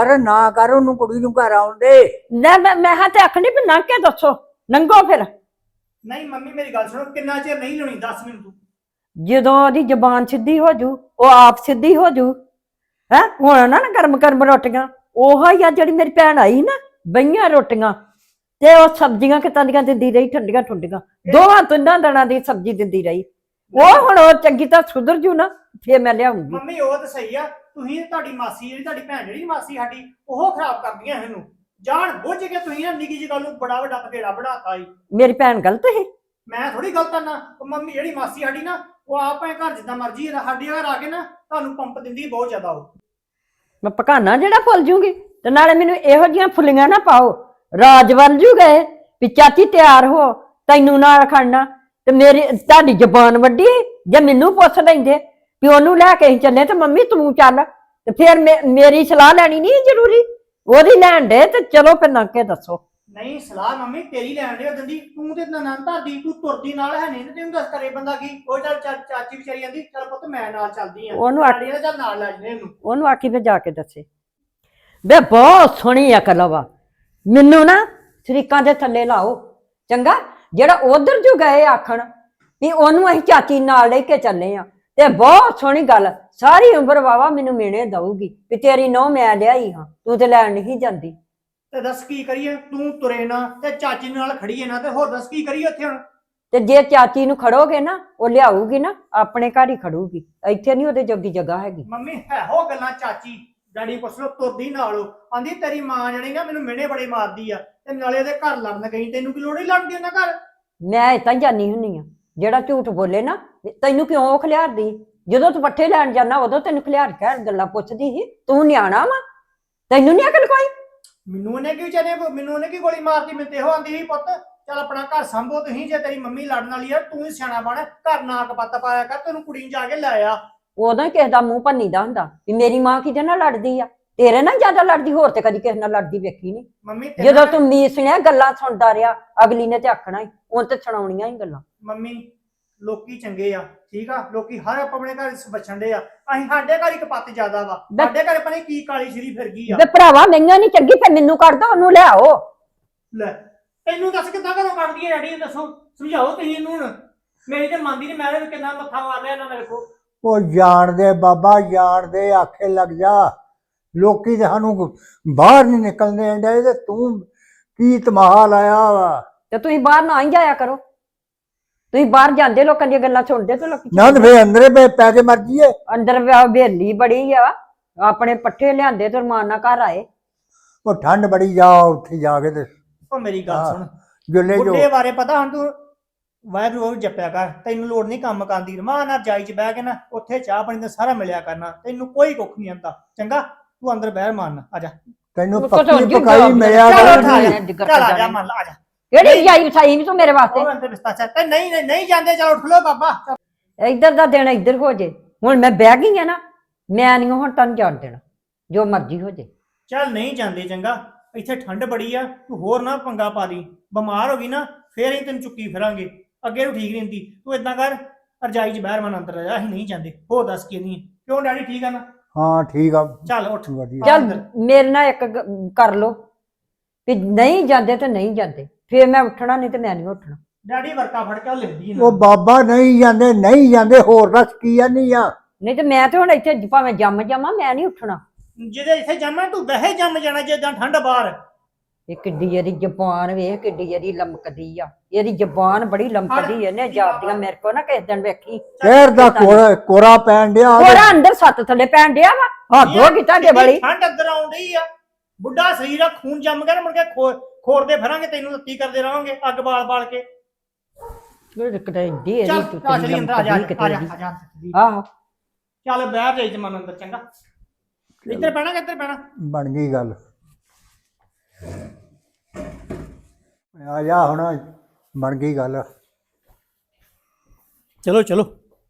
S4: ਕਰ ਉਹਨੂੰ ਕੁੜੀ ਨੂੰ ਘਰ ਆਉਂਦੇ।
S3: ਲੈ ਮੈਂ ਹਾਂ ਤੇ ਆਖਣੀ ਵੀ ਲੰਘ ਕੇ ਦੱਸੋ ਲੰਘੋ ਫਿਰ।
S5: ਨਹੀਂ ਮੰਮੀ ਮੇਰੀ ਗੱਲ ਸੁਣੋ, ਕਿੰਨਾ ਚਿਰ ਨਹੀਂ ਲਾਉਣੀ ਦੱਸ ਮੈਨੂੰ ਤੂੰ।
S3: ਜਦੋਂ ਉਹਦੀ ਜ਼ਬਾਨ ਸਿੱਧੀ ਹੋ ਜੂ ਉਹ ਆਪ ਸਿੱਧੀ ਹੋ ਜੂ ਹੈ। ਹੁਣ ਨਾ ਗਰਮ ਰੋਟੀਆਂ ਉਹ ਹੀ ਆ ਜਿਹੜੀ ਮੇਰੀ ਭੈਣ ਆਈ ਨਾ ਬਈਆਂ ਰੋਟੀਆਂ ਤੇ ਉਹ ਸਬਜ਼ੀਆਂ ਕਿਤਾਂ ਦੀਆਂ ਦਿੰਦੀ ਰਹੀ ਠੰਡੀਆਂ ਦੋਵਾਂ ਤਿੰਨਾਂ ਦਿਨਾਂ ਦੀ ਸਬਜ਼ੀ ਦਿੰਦੀ ਰਹੀ। ਉਹ ਹੁਣ ਉਹ ਚੰਗੀ ਤਾਂ ਸੁਧਰ ਜੂ ਨਾ ਫੇਰ ਮੈਂ ਲਿਆਉਂਗੀ।
S5: ਮੰਮੀ ਉਹ ਤਾਂ ਸਹੀ ਆ, ਤੁਸੀਂ ਤੁਹਾਡੀ ਮਾਸੀ ਜਿਹੜੀ ਤੁਹਾਡੀ ਭੈਣ ਜਿਹੜੀ ਮਾਸੀ ਸਾਡੀ ਉਹ ਖਰਾਬ ਕਰਦੀਆਂ ਇਹਨੂੰ ਜਾਣ ਬੁੱਝ ਕੇ। ਤੁਸੀਂ ਨਾ ਨਿੱਕੀ ਜਿਹੀ ਗੱਲ ਨੂੰ ਬੜਾ ਵੱਡਾ ਪਕੇੜਾ ਬਣਾਤਾ ਈ।
S3: ਮੇਰੀ ਭੈਣ ਗਲਤ ਹੈ?
S5: ਮੈਂ ਥੋੜੀ ਗਲਤ ਆ ਨਾ। ਉਹ ਮੰਮੀ ਜਿਹੜੀ ਮਾਸੀ ਸਾਡੀ ਨਾ ਉਹ ਆਪ ਐ ਘਰ ਜਿੱਦਾਂ ਮਰਜ਼ੀ ਸਾਡੀ ਘਰ ਆ ਕੇ ਨਾ ਤੁਹਾਨੂੰ ਪੰਪ ਦਿੰਦੀ ਬਹੁਤ ਜ਼ਿਆਦਾ। ਉਹ
S3: ਮੈਂ ਪਕਾਨਾ ਜਿਹੜਾ ਭੁੱਲ ਜੂਗੀ ਤੇ ਨਾਲੇ ਮੈਨੂੰ ਇਹੋ ਜਿਹੀਆਂ ਫੁੱਲੀਆਂ ਨਾ ਪਾਓ ਰਾਜ ਬਣ ਜੂ ਗਏ ਵੀ ਚਾਚੀ ਤਿਆਰ ਹੋ ਤੈਨੂੰ ਨਾਲ ਖੜਨਾ ਤੇ ਮੇਰੀ ਤੁਹਾਡੀ ਜ਼ਬਾਨ ਵੱਡੀ ਜੇ ਮੈਨੂੰ ਪੁੱਛ ਲੈਂਦੇ ਵੀ ਉਹਨੂੰ ਲੈ ਕੇ ਅਸੀਂ ਚੱਲੇ ਤੇ ਮੰਮੀ ਤੂੰ ਚੱਲ ਤੇ ਫਿਰ ਮੇਰੀ ਸਲਾਹ ਲੈਣੀ ਨਹੀਂ ਜ਼ਰੂਰੀ। ਉਹਦੀ ਲੈਣ ਦੇ ਤੇ ਚਲੋ ਫਿਰ ਲੰਘ ਕੇ ਦੱਸੋ।
S5: ਨਹੀਂ ਸਲਾਹ ਮੰਮੀ ਤੇਰੀ ਲੈਣ ਦੇ ਉਦੋਂ ਦੀ, ਤੂੰ ਤੇ ਨਨਨ ਧਰਦੀ, ਤੂੰ ਤੁਰਦੀ ਨਾਲ ਹੈ ਨਹੀਂ ਤੇ ਤੈਨੂੰ ਦੱਸ ਕਰੇ ਬੰਦਾ ਕੀ। ਉਹ ਚੱਲ ਚਾਚੀ ਵਿਚਾਰੀ ਜਾਂਦੀ ਚੱਲ ਪੁੱਤ ਮੈਂ ਨਾਲ ਚੱਲਦੀ ਆ,
S3: ਉਹਨੂੰ
S5: ਡੈਡੀ ਨੇ ਚੱਲ ਨਾਲ ਲੈ ਜਨੇ ਇਹਨੂੰ।
S3: ਉਹਨੂੰ ਆਖੀ ਫਿਰ ਜਾ ਕੇ ਦੱਸੇ ਬੇ ਬਹੁਤ ਸੋਹਣੀ ਅਕਲ ਵਾ। ਮੈਨੂੰ ਨਾ ਸ਼ਰੀਕਾਂ ਦੇ ਥੱਲੇ ਲਾਓ ਚੰਗਾ। ਜਿਹੜਾ ਉਧਰ ਜੋ ਗਏ ਆਖਣ ਵੀ ਉਹਨੂੰ ਅਸੀਂ ਚਾਚੀ ਨਾਲ ਲੈ ਕੇ ਚੱਲੇ ਆ, ਤੇ ਬਹੁਤ ਸੋਹਣੀ ਗੱਲ, ਸਾਰੀ ਉਮਰ ਵਾਵਾ ਮੈਨੂੰ ਮਿਹਣੇ ਦਊਗੀ ਵੀ ਤੇਰੀ ਨਹੁੰ ਮੈਂ ਲਿਆਈ ਹਾਂ, ਤੂੰ ਤੇ ਲੈਣ ਨਹੀਂ ਜਾਂਦੀ।
S5: ਤੇ ਦੱਸ ਕੀ ਕਰੀਏ, ਤੂੰ ਤੁਰੇ ਨਾ ਤੇ ਚਾਚੀ ਨਾਲ ਖੜੀਏ ਨਾ, ਤੇ ਹੋਰ ਦੱਸ ਕੀ ਕਰੀਏ ਉੱਥੇ ਹੁਣ।
S3: ਤੇ ਜੇ ਚਾਚੀ ਨੂੰ ਖੜੋਗੇ ਨਾ ਉਹ ਲਿਆਊਗੀ ਨਾ ਆਪਣੇ ਘਰ ਹੀ ਖੜੂਗੀ, ਇੱਥੇ ਨਹੀਂ ਉਹਦੇ ਜੋਗੀ ਜਗ੍ਹਾ ਹੈਗੀ।
S5: ਮੰਮੀ ਹੈ ਹੋ ਗੱਲਾਂ ਚਾਚੀ ਡੈਡੀ ਪੁੱਛ ਲੋ, ਤੁਰਦੀ ਨਾਲ ਆਂਦੀ ਤੇਰੀ ਮਾਂ ਜਣੀ ਨਾ ਮੈਨੂੰ ਮਿਹਣੇ ਬੜੇ ਮਾਰਦੀ ਆ, ਤੇ ਨਾਲੇ ਉਹਦੇ ਘਰ ਲੜਨ ਗਈ, ਤੈਨੂੰ ਕੀ ਲੋੜ ਹੀ ਲੜਦੀ ਉਹਨਾਂ ਘਰ।
S3: ਮੈਂ ਏਦਾਂ ਹੀ ਜਾਨੀ ਹੁੰਨੀ ਆ, ਜਿਹੜਾ ਝੂਠ ਬੋਲੇ ਨਾ ਤੈਨੂੰ ਕਿਉਂ ਉਹ ਖਿਲਾਰਦੀ? ਜਦੋਂ ਤੂੰ ਪੱਠੇ ਲੈਣ ਜਾਣਾ ਉਦੋਂ ਤੈਨੂੰ ਖਿਲਾਰ ਕੇ ਗੱਲਾਂ ਪੁੱਛਦੀ ਸੀ। ਤੂੰ ਨਿਆਣਾ ਵਾ, ਤੈਨੂੰ ਨਹੀਂ ਅਕਲ ਕੋਈ?
S5: ਮੈਨੂੰ ਉਹਨੇ ਕੀ ਵਿਚਾਰੇ, ਮੈਨੂੰ ਉਹਨੇ ਕੀ ਗੋਲੀ ਮਾਰਤੀ, ਮੈਨੂੰ ਤੇ ਇਹੋ ਆਂਦੀ ਸੀ ਪੁੱਤ ਚੱਲ ਆਪਣਾ ਘਰ ਸੰਭੋ ਤੁਸੀਂ, ਜੇ ਤੇਰੀ ਮੰਮੀ ਲੜਨ ਵਾਲੀ ਆ ਤੂੰ ਹੀ ਸਿਆਣਾ ਬਣ, ਘਰ ਨਾ ਕਪੱਤ ਪਾਇਆ ਕਰ, ਤੈਨੂੰ ਕੁੜੀ ਨੂੰ ਜਾ ਕੇ ਲੈ ਆ।
S3: ਉਦੋਂ ਹੀ ਕਿਸੇ ਦਾ ਮੂੰਹ ਭੰਨੀਦਾ ਹੁੰਦਾ ਵੀ ਮੇਰੀ ਮਾਂ ਕਿਹਦੇ ਨਾਲ ਲੜਦੀ ਆ, ਤੇਰੇ ਨਾਲ ਜ਼ਿਆਦਾ ਲੜਦੀ, ਹੋਰ ਤੇ ਕਦੀ ਕਿਸੇ ਨਾਲ ਲੜਦੀ ਵੇਖੀ ਨਹੀਂ।
S5: ਮੰਮੀ
S3: ਜਦੋਂ ਤੂੰ ਮੀਸਣਿਆ ਗੱਲਾਂ ਸੁਣਦਾ ਰਿਹਾ, ਅਗਲੀ ਨੇ ਤੇ ਆਖਣਾ ਹੀ, ਉਹ ਤੇ ਸੁਣਾਉਣੀਆਂ ਹੀ ਗੱਲਾਂ।
S5: ਮੰਮੀ ਲੋਕੀ ਚੰਗੇ ਆ, ਠੀਕ ਆ, ਲੋਕੀ ਹਰ ਆਪਣੇ ਘਰ ਬਚਣ ਦੇ ਆ, ਅਸੀਂ ਸਾਡੇ ਘਰ ਹੀ ਕਪੱਤ ਜ਼ਿਆਦਾ ਵਾ, ਸਾਡੇ ਘਰ ਪਤਾ ਨੀ ਕੀ ਕਾਲੀ ਸ਼ਰੀ ਫਿਰ ਗਈ ਆ।
S3: ਵੇ ਭਰਾਵਾ ਮਹਿੰਗਾ ਨਹੀਂ ਚੰਗੀ, ਫਿਰ ਮੈਨੂੰ ਕੱਢ ਦੋ, ਉਹਨੂੰ ਲਿਆਓ।
S5: ਲੈ ਤੈਨੂੰ ਦੱਸ ਕਿੱਦਾਂ ਘਰੋਂ ਕੱਢਦੀ ਹੈ ਡੈਡੀ, ਦੱਸੋ ਸਮਝਾਓ ਤੁਸੀਂ ਇਹਨੂੰ ਹੁਣ। ਮੇਰੀ ਤੇ ਮੰਨਦੀ ਨਹੀਂ, ਮੈਂ ਤੇ ਕਿੰਨਾ ਮੱਥਾ ਮਾਰ ਲਿਆ ਇਹਨਾਂ ਨੇ, ਵੇਖੋ।
S4: ਉਹ ਜਾਣਦੇ ਬਾਬਾ ਜਾਣਦੇ, ਆਖੇ ਲੱਗ ਜਾ। ਲੋਕੀ ਤੇ ਸਾਨੂੰ ਬਾਹਰ ਨਹੀਂ ਨਿਕਲਣੇ ਡੇ, ਤੇ ਤੂੰ ਕੀ ਤਮਾਹਾ ਲਾਇਆ ਵਾ।
S3: ਤੇ ਤੁਸੀਂ ਬਾਹਰ ਨਾ ਹੀ ਜਾਇਆ ਕਰੋ, ਤੁਸੀਂ ਬਾਹਰ ਜਾਂਦੇ ਲੋਕਾਂ ਦੀਆਂ ਗੱਲਾਂ ਸੁਣਦੇ ਤੇ ਲੋਕੀ
S4: ਨਾ ਤੇ ਫੇਰ ਅੰਦਰੇ ਪੈ ਕੇ ਮਰ ਜੀਏ।
S3: ਅੰਦਰ ਬੇਲੀ ਬੜੀ ਆ, ਆਪਣੇ ਪੱਠੇ ਲਿਆਂਦੇ ਤੇ ਰਮਾਨ ਨਾਲ ਘਰ ਆਏ।
S4: ਉਹ ਠੰਡ ਬੜੀ, ਜਾ ਉੱਥੇ ਜਾ ਕੇ ਤੇ
S5: ਉਹ ਮੇਰੀ ਗੱਲ ਸੁਣ,
S4: ਜੁੱਲੇ ਜੋ
S5: ਬੁੱਢੇ ਬਾਰੇ ਪਤਾ ਹੁਣ ਤੂੰ ਵਾਹਿਗੁਰੂ ਜਪਿਆ ਕਰ, ਤੈਨੂੰ ਲੋੜ ਨਹੀਂ ਕੰਮ ਕਰਨ ਦੀ, ਰਮਾਨ ਨਾਲ ਜਾਈ ਚ ਬਹਿ ਕੇ ਨਾ ਉੱਥੇ ਚਾਹ ਪਾਣੀ ਦਾ ਸਾਰਾ ਮਿਲਿਆ ਕਰਨਾ, ਤੈਨੂੰ ਕੋਈ ਕੁੱਖ ਨਹੀਂ ਆਂਦਾ, ਚੰਗਾ ਤੂੰ ਅੰਦਰ ਬਹਿ ਮਾਨ, ਆ ਜਾ।
S4: ਤੈਨੂੰ ਪੱਕੀ ਪਕਾਈ ਮਿਲਿਆ
S5: ਚੱਲ
S4: ਕਰਨੀ।
S5: ਉੱਠ ਆ ਜਾ, ਚੱਲ ਆ ਜਾ ਮੰਨ ਲਾ, ਆ ਜਾ।
S3: ਕਿਹੜੀ ਜਾਈ ਵਿਛਾਈ ਨੀ ਤੂੰ ਮੇਰੇ ਵਾਸਤੇ?
S5: ਉਹ ਅੰਦਰ ਬਿਸਤਾ ਚੱਲ, ਤੇ ਨਹੀਂ ਜਾਂਦੇ, ਚਲ ਉੱਠ ਲੋ ਬਾਬਾ।
S3: ਇੱਧਰ ਦਾ ਦਿਨ ਇੱਧਰ ਹੋ ਜੇ, ਹੁਣ ਮੈਂ ਬਹਿ ਗਈ ਆ ਨਾ, ਮੈਂ ਨਹੀਂ ਹੁਣ ਤੈਨੂੰ ਜਾਣ ਦੇਣਾ, ਜੋ ਮਰਜ਼ੀ ਹੋ ਜੇ।
S5: ਚੱਲ ਨਹੀਂ ਜਾਂਦੇ, ਚੰਗਾ ਇੱਥੇ ਠੰਡ ਬੜੀ ਆ, ਤੂੰ ਹੋਰ ਨਾ ਪੰਗਾ ਪਾ ਲਈ, ਬਿਮਾਰ ਹੋ ਗਈ ਨਾ ਫੇਰ ਅਸੀਂ ਤੈਨੂੰ ਚੁੱਕੀ ਫਿਰਾਂਗੇ, ਅੱਗੇ ਨੂੰ ਠੀਕ ਨਹੀਂ ਹੁੰਦੀ। ਤੂੰ ਏਦਾਂ ਕਰ, ਰਜਾਈ ਚ ਬਾਹਰ ਮਨ ਅੰਦਰ ਆ ਜਾ, ਅਸੀਂ ਨਹੀਂ ਜਾਂਦੇ। ਹੋਰ ਦੱਸ ਕੀ ਨਹੀਂ, ਕਿਉਂ ਡੈਡੀ ਠੀਕ ਆ ਨਾ?
S4: ਹਾਂ ਠੀਕ ਆ,
S5: ਚੱਲ ਉੱਠ।
S4: ਵਧੀਆ।
S3: ਚੱਲ ਮੇਰੇ ਨਾਲ ਇੱਕ ਕਰ ਲੋ ਵੀ ਨਹੀਂ ਜਾਂਦੇ ਤੇ ਨਹੀਂ ਜਾਂਦੇ, ਫੇਰ ਮੈਂ ਉੱਠਣਾ, ਨਹੀਂ ਤੇ ਮੈਂ ਨਹੀਂ ਉੱਠਣਾ।
S5: ਡੈਡੀ ਵਰਕਾ ਫੜ ਕੇ ਲੈਂਦੀ
S4: ਉਹ ਬਾਬਾ ਨਹੀਂ ਜਾਂਦੇ, ਹੋਰ ਦੱਸ ਕੀ ਆ ਨਹੀਂ ਆ।
S3: ਨਹੀਂ ਤੇ ਮੈਂ ਤੇ ਹੁਣ ਇੱਥੇ ਭਾਵੇਂ ਜੰਮ ਜਾਵਾਂ, ਮੈਂ ਨਹੀਂ ਉੱਠਣਾ।
S5: ਜਿਹਦੇ ਇੱਥੇ ਜੰਮਣਾ ਤੂੰ ਵੈਸੇ ਜੰਮ ਜਾਣਾ, ਜਿੱਦਾਂ ਠੰਡ ਬਾਹਰ।
S3: ਇਹ ਕਿੱਡੀ ਇਹਦੀ ਜ਼ਬਾਨ ਵੇਖ, ਕਿੱਡੀ ਇਹਦੀ ਲਮਕਦੀ ਆ, ਇਹਦੀ ਜ਼ਬਾਨ ਬੜੀ ਲਮਕਦੀ ਐ ਨੇ ਜਾਪਦੀਆਂ ਮੇਰੇ ਕੋ ਨਾ ਕਿਸੇ ਦਿਨ ਵੇਖੀ।
S4: ਫੇਰ ਦਾ ਕੋਰਾ ਪੈਣ ਡਿਆ।
S3: ਕੋਰਾ ਅੰਦਰ ਸੱਤ ਥੱਲੇ ਪੈਣ ਡਿਆ ਵਾ, ਹੱਦ ਹੋ ਗਈ ਤੁਹਾਡੇ ਵਾਲੀ।
S5: ਠੰਡ ਅੰਦਰ ਆਉਣ ਡਈ ਆ, ਬੁੱਢਾ ਸਰੀਰ ਆ, ਖੂਨ ਜੰਮ ਗਿਆ, ਮੁੜ ਕੇ ਖੋਰਦੇ ਫਿਰਾਂਗੇ, ਤੈਨੂੰ ਰੱਤੀ ਕਰਦੇ ਰਹਾਂਗੇ ਅੱਗ ਬਾਲ ਕੇ।
S3: ਚੱਲ
S5: ਚਲੀ ਅੰਦਰ, ਆ ਜਾ
S3: ਆਹੋ
S5: ਚੱਲ ਬਹਿ ਜਾਈ ਜਮਨ ਅੰਦਰ, ਚੰਗਾ ਇੱਧਰ ਪੈਣਾ ਕਿ ਇੱਧਰ ਪੈਣਾ?
S4: ਬਣ ਗਈ ਗੱਲ, ਆ ਜਾ ਹੁਣ, ਬਣ ਗਈ ਗੱਲ।
S5: ਚਲੋ ਚਲੋ।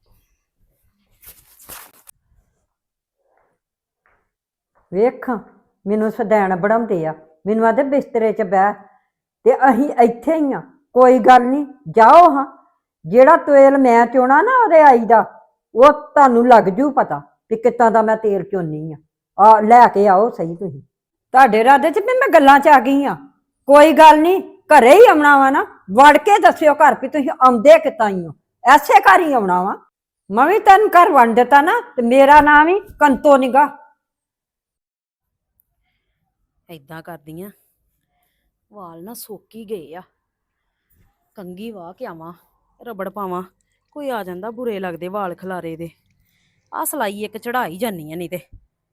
S3: ਵੇਖ ਮੈਨੂੰ ਸਦੈਣ ਬਣਾਉਂਦੇ ਆ, ਮੈਨੂੰ ਆਦੇ ਬਿਸਤਰੇ 'ਚ ਬਹਿ, ਤੇ ਅਸੀਂ ਇੱਥੇ ਹੀ ਆ, ਕੋਈ ਗੱਲ ਨਹੀਂ, ਜਾਓ ਹਾਂ। ਜਿਹੜਾ ਤੇਲ ਮੈਂ ਚੋਣਾ ਨਾ ਉਹਦੇ ਆਈ ਦਾ, ਉਹ ਤੁਹਾਨੂੰ ਲੱਗ ਜੂ ਪਤਾ ਵੀ ਕਿੱਦਾਂ ਦਾ ਮੈਂ ਤੇਲ ਚੋਨੀ ਆ ਲੈ ਕੇ ਆਓ ਸਹੀ। ਤੁਸੀਂ ਤੁਹਾਡੇ ਇਰਾਦੇ 'ਚ ਵੀ ਮੈਂ ਗੱਲਾਂ 'ਚ ਆ ਗਈ ਆ, ਕੋਈ ਗੱਲ ਨਹੀਂ, ਘਰੇ ਹੀ ਆਉਣਾ ਵਾ ਨਾ, ਵੜ ਕੇ ਦੱਸਿਓ ਘਰ ਵੀ ਤੁਸੀਂ ਆਉਂਦੇ ਕਿੱਦਾਂ ਹੀ ਹੋ, ਐਸੇ ਘਰ ਹੀ ਆਉਣਾ ਵਾ। ਮੈਂ ਵੀ ਤੈਨੂੰ ਘਰ ਵੰਡ ਦਿੱਤਾ ਨਾ, ਤੇ ਮੇਰਾ ਨਾਮ ਹੀ ਕੰਤੋ ਨਿਗਾ।
S6: ਏਦਾਂ ਕਰਦੀ ਆ, ਵਾਲ ਨਾ ਸੁੱਕ ਹੀ ਗਏ ਆ, ਕੰਘੀ ਵਾਹ ਕੇ ਆਵਾਂ, ਰਬੜ ਪਾਵਾਂ, ਕੋਈ ਆ ਜਾਂਦਾ, ਬੁਰੇ ਲੱਗਦੇ ਵਾਲ ਖਲਾਰੇ ਦੇ। ਆ ਸਲਾਈ ਇੱਕ ਚੜਾਈ ਜਾਨੀ ਆ, ਨਹੀਂ ਤੇ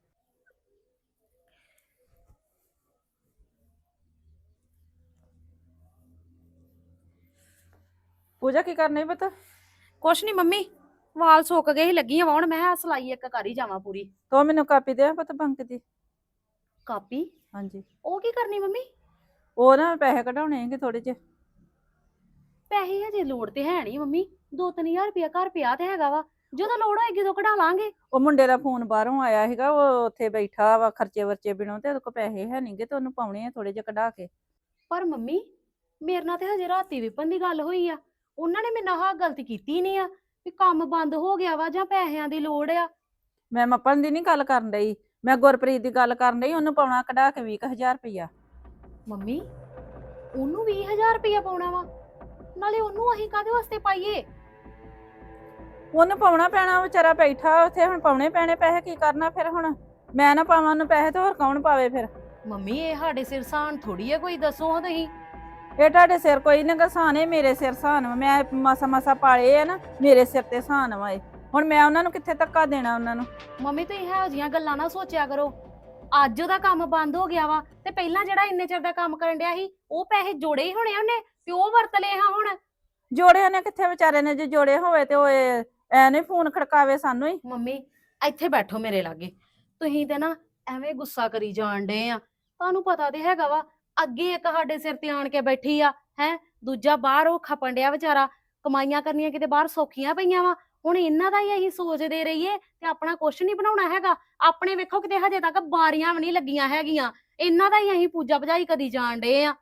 S7: ਪੂਜਾ ਕੀ ਕਰਨੀ ਪਤਾ?
S6: ਕੁਛ ਨਹੀਂ ਮੰਮੀ, ਵਾਲ ਸੁੱਕ ਗਏ ਸੀ, ਲੱਗੀ ਆ ਵਾਹੁਣ, ਮੈਂ ਕਿਹਾ ਸਲਾਈ ਇੱਕ ਕਰ ਹੀ ਜਾਵਾਂ ਪੂਰੀ।
S7: ਤੋ ਮੈਨੂੰ ਕਾਪੀ ਦੇ ਪਤਾ ਬੰਕ ਦੀ।
S6: ਕਾਪੀ?
S7: ਹਾਂਜੀ,
S6: ਉਹ ਕੀ ਕਰਨੀ ਮੰਮੀ?
S7: ਉਹ ਨਾ ਪੈਸੇ ਕਢਾਉਣੇ ਹੈਗੇ ਥੋੜੇ ਜਿਹੇ।
S6: ਪੈਸੇ ਹਜੇ ਲੋੜ ਤੇ ਹੈ ਨਹੀਂ ਮੰਮੀ, 2-3000 ਰੁਪਇਆ ਘਰ ਪਿਆ ਤੇ ਹੈਗਾ ਵਾ, ਜਦੋਂ ਲੋੜ ਹੋਏਗੀ ਉਦੋਂ ਕਢਾ ਲਾਂਗੇ।
S7: ਉਹ ਮੁੰਡੇ ਦਾ ਫੋਨ ਬਾਹਰੋਂ ਆਇਆ ਸੀਗਾ, ਉਹ ਉੱਥੇ ਬੈਠਾ ਵਾ ਖਰਚੇ ਵਰਚੇ ਬਿਨੋਂ, ਤੇ ਉਹਦੇ ਕੋਲ ਪੈਸੇ ਹੈ ਨਹੀਂਗੇ, ਤੇ ਉਹਨੂੰ ਪਾਉਣੇ ਆ ਥੋੜੇ ਜਿਹੇ ਕਢਾ ਕੇ।
S6: ਪਰ ਮੰਮੀ ਮੇਰੇ ਨਾਲ ਤੇ ਹਜੇ ਰਾਤੀ ਵਿਪਨ ਦੀ ਗੱਲ ਹੋਈ ਆ, ਉਹਨਾਂ ਨੇ ਮੇਰੇ ਨਾਲ ਆਹ ਗਲਤੀ ਕੀਤੀ ਨਹੀਂ ਆ ਵੀ ਕੰਮ ਬੰਦ ਹੋ ਗਿਆ ਵਾ ਜਾਂ ਪੈਸਿਆਂ ਦੀ ਲੋੜ ਆ।
S7: ਮੈਂ ਮੱਪਣ ਦੀ ਨਹੀਂ ਗੱਲ ਕਰਨ ਡਈ, ਮੈਂ ਗੁਰਪ੍ਰੀਤ ਦੀ ਗੱਲ ਕਰਨ ਡਈ। ਉਹਨੂੰ ਪਾਉਣਾ ਕਢਾ ਕੇ 20,000 ਰੁਪਇਆ।
S6: ਮੰਮੀ ਉਹਨੂੰ 20,000 ਰੁਪਇਆ ਪਾਉਣਾ ਵਾ, ਨਾਲੇ ਉਹਨੂੰ ਅਸੀਂ ਕਾਹਦੇ ਵਾਸਤੇ ਪਾਈਏ?
S7: ਉਹਨੂੰ ਪਾਉਣਾ ਪੈਣਾ, ਵਿਚਾਰਾ ਬੈਠਾ ਉੱਥੇ, ਹੁਣ ਪਾਉਣੇ ਪੈਣੇ ਪੈਸੇ। ਕੀ ਕਰਨਾ ਫਿਰ ਹੁਣ? ਮੈਂ ਨਾ ਪਾਵਾਂ ਉਹਨੂੰ ਪੈਸੇ ਤੇ ਹੋਰ ਕੌਣ ਪਾਵੇ ਫਿਰ?
S6: ਮੰਮੀ ਇਹ ਸਾਡੇ ਸਿਰ ਸਾਨ ਥੋੜੀ ਆ, ਕੋਈ ਦੱਸੋ ਹਾਂ ਤੁਸੀਂ।
S7: ਇਹ ਤੁਹਾਡੇ ਸਿਰ ਕੋਈ ਨਾ ਗਸਾਨ, ਇਹ ਮੇਰੇ ਸਿਰ ਸਾਨ ਵਾ। ਮੈਂ ਮਾਸਾ ਮਾਸਾ ਪਾਲੇ ਆ ਨਾ, ਮੇਰੇ ਸਿਰ ਤੇ ਸਾਨ ਵਾ ਇਹ। ਹੁਣ ਮੈਂ ਉਹਨਾਂ ਨੂੰ ਕਿੱਥੇ ਧੱਕਾ ਦੇਣਾ ਉਹਨਾਂ ਨੂੰ?
S6: ਮੰਮੀ ਤੁਸੀਂ ਇਹੋ ਜਿਹੀਆਂ ਗੱਲਾਂ ਨਾ ਸੋਚਿਆ ਕਰੋ। ਅੱਜ ਉਹਦਾ ਕੰਮ ਬੰਦ ਹੋ ਗਿਆ ਵਾ ਤੇ ਪਹਿਲਾਂ ਜਿਹੜਾ ਇੰਨੇ ਚਿਰ ਦਾ ਕੰਮ ਕਰਨ ਡਿਆ ਸੀ ਉਹ ਪੈਸੇ ਜੋੜੇ ਹੀ ਹੋਣੇ ਉਹਨੇ, ਤੇ ਉਹ ਵਰਤ ਲਏ ਹਾਂ ਹੁਣ।
S7: ਜੋੜੇ ਉਹਨੇ ਕਿੱਥੇ ਵਿਚਾਰੇ ਨੇ? ਜੇ ਜੋੜੇ ਹੋਵੇ ਤੇ ਉਹ ਐ ਨਹੀਂ ਫੋਨ ਖੜਕਾਵੇ ਸਾਨੂੰ ਹੀ।
S6: ਮੰਮੀ ਇੱਥੇ ਬੈਠੋ ਮੇਰੇ ਲਾਗੇ, ਤੁਸੀਂ ਤੇ ਨਾ ਐਵੇਂ ਗੁੱਸਾ ਕਰੀ ਜਾਣ ਡੇ ਆ। ਤੁਹਾਨੂੰ ਪਤਾ ਤੇ ਹੈਗਾ ਵਾ, ਅੱਗੇ ਇੱਕ ਸਾਡੇ ਸਿਰ ਤੇ ਆਣ ਕੇ ਬੈਠੀ ਆ ਹੈ, ਦੂਜਾ ਬਾਹਰ ਉਹ ਖਪਣ ਡਿਆ ਵਿਚਾਰਾ। ਕਮਾਈਆਂ ਕਰਨੀਆਂ ਕਿਤੇ ਬਾਹਰ ਸੌਖੀਆਂ ਪਈਆਂ ਵਾ। ਹੁਣ ਇਹਨਾਂ ਦਾ ਹੀ ਅਸੀਂ ਸੋਚਦੇ ਰਹੀਏ ਤੇ ਆਪਣਾ ਕੁਛ ਨਹੀਂ ਬਣਾਉਣਾ ਹੈਗਾ। ਆਪਣੇ ਵੇਖੋ ਕਿਤੇ ਹਜੇ ਤੱਕ ਬਾਰੀਆਂ ਵੀ ਨਹੀਂ ਲੱਗੀਆਂ ਹੈਗੀਆਂ, ਇਹਨਾਂ ਦਾ ਹੀ ਅਸੀਂ ਪੂਜਾ ਭਜਾਈ ਕਰੀ ਜਾਣ ਡੇ ਆ।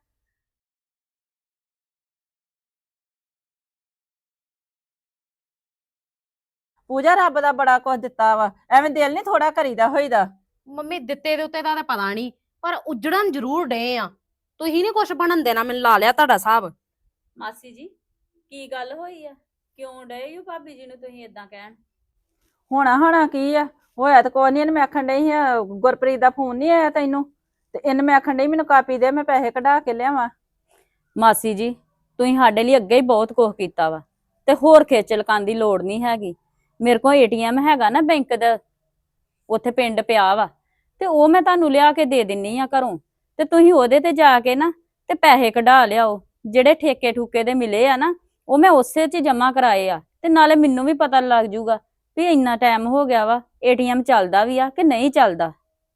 S7: ਪੂਜਾ ਰੱਬ ਦਾ ਬੜਾ ਕੁਝ ਦਿੱਤਾ ਵਾ, ਐਵੇਂ ਦਿਲ ਨਹੀਂ ਥੋੜਾ ਕਰੀਦਾ ਹੋਈਦਾ।
S6: ਮੰਮੀ ਦਿੱਤੇ ਦੇ ਉੱਤੇ ਦਾ ਤਾਂ ਪਤਾ ਨਹੀਂ, ਪਰ ਉਜੜਨ ਜ਼ਰੂਰ ਡੇ ਆ। ਤੁਸੀਂ ਨਹੀਂ ਕੁਛ ਬਣਨ ਦੇਣਾ, ਮੈਨੂੰ ਲਾ ਲਿਆ ਤੁਹਾਡਾ ਹਿਸਾਬ।
S2: ਮਾਸੀ ਜੀ ਕੀ ਗੱਲ ਹੋਈ ਆ? ਕਿਉਂ ਡਏ ਹੋ ਭਾਬੀ ਜੀ ਨੂੰ ਤੁਸੀਂ ਇਦਾਂ ਕਹਿਣ?
S7: ਹੋਣਾ ਕੀ ਆ? ਹੋਇਆ ਤਾਂ ਕੋਈ ਨਹੀਂ। ਇਹਨੂੰ ਮੈਂ ਆਖਣ ਡਈ ਆ ਗੁਰਪ੍ਰੀਤ ਦਾ ਫੋਨ ਨਹੀਂ ਆਇਆ ਤੈਨੂੰ, ਤੇ ਇਹਨੂੰ ਮੈਂ ਆਖਣ ਡਈ ਮੈਨੂੰ ਕਾਪੀ ਦੇ, ਮੈਂ ਪੈਸੇ ਕਢਾ ਕੇ ਲਿਆਵਾਂ।
S8: ਮਾਸੀ ਜੀ ਤੁਸੀਂ ਸਾਡੇ ਲਈ ਅੱਗੇ ਹੀ ਬਹੁਤ ਕੁਝ ਕੀਤਾ ਵਾ, ਤੇ ਹੋਰ ਖੇਚਲ ਕਰਨ ਦੀ ਲੋੜ ਨਹੀਂ ਹੈਗੀ। ਮੇਰੇ ਕੋਲ ਏਟੀਐਮ ਹੈਗਾ ਨਾ ਬੈਂਕ ਦਾ, ਉੱਥੇ ਪਿੰਡ ਪਿਆ ਵਾ, ਤੇ ਉਹ ਮੈਂ ਤੁਹਾਨੂੰ ਲਿਆ ਕੇ ਦੇ ਦਿੰਨੀ ਆ ਘਰੋਂ, ਤੇ ਤੁਸੀਂ ਉਹਦੇ ਤੇ ਜਾ ਕੇ ਨਾ ਤੇ ਪੈਸੇ ਕਢਾ ਲਿਆਓ। ਜਿਹੜੇ ਠੇਕੇ ਠੂਕੇ ਦੇ ਮਿਲੇ ਆ ਨਾ, ਉਹ ਮੈਂ ਉਸੇ 'ਚ ਜਮਾ ਕਰਾਏ ਆ, ਤੇ ਨਾਲੇ ਮੈਨੂੰ ਵੀ ਪਤਾ ਲੱਗ ਜੂਗਾ ਵੀ ਇੰਨਾ ਟਾਈਮ ਹੋ ਗਿਆ ਵਾ, ਏਟੀਐਮ ਚੱਲਦਾ ਵੀ ਆ ਕਿ ਨਹੀਂ ਚੱਲਦਾ।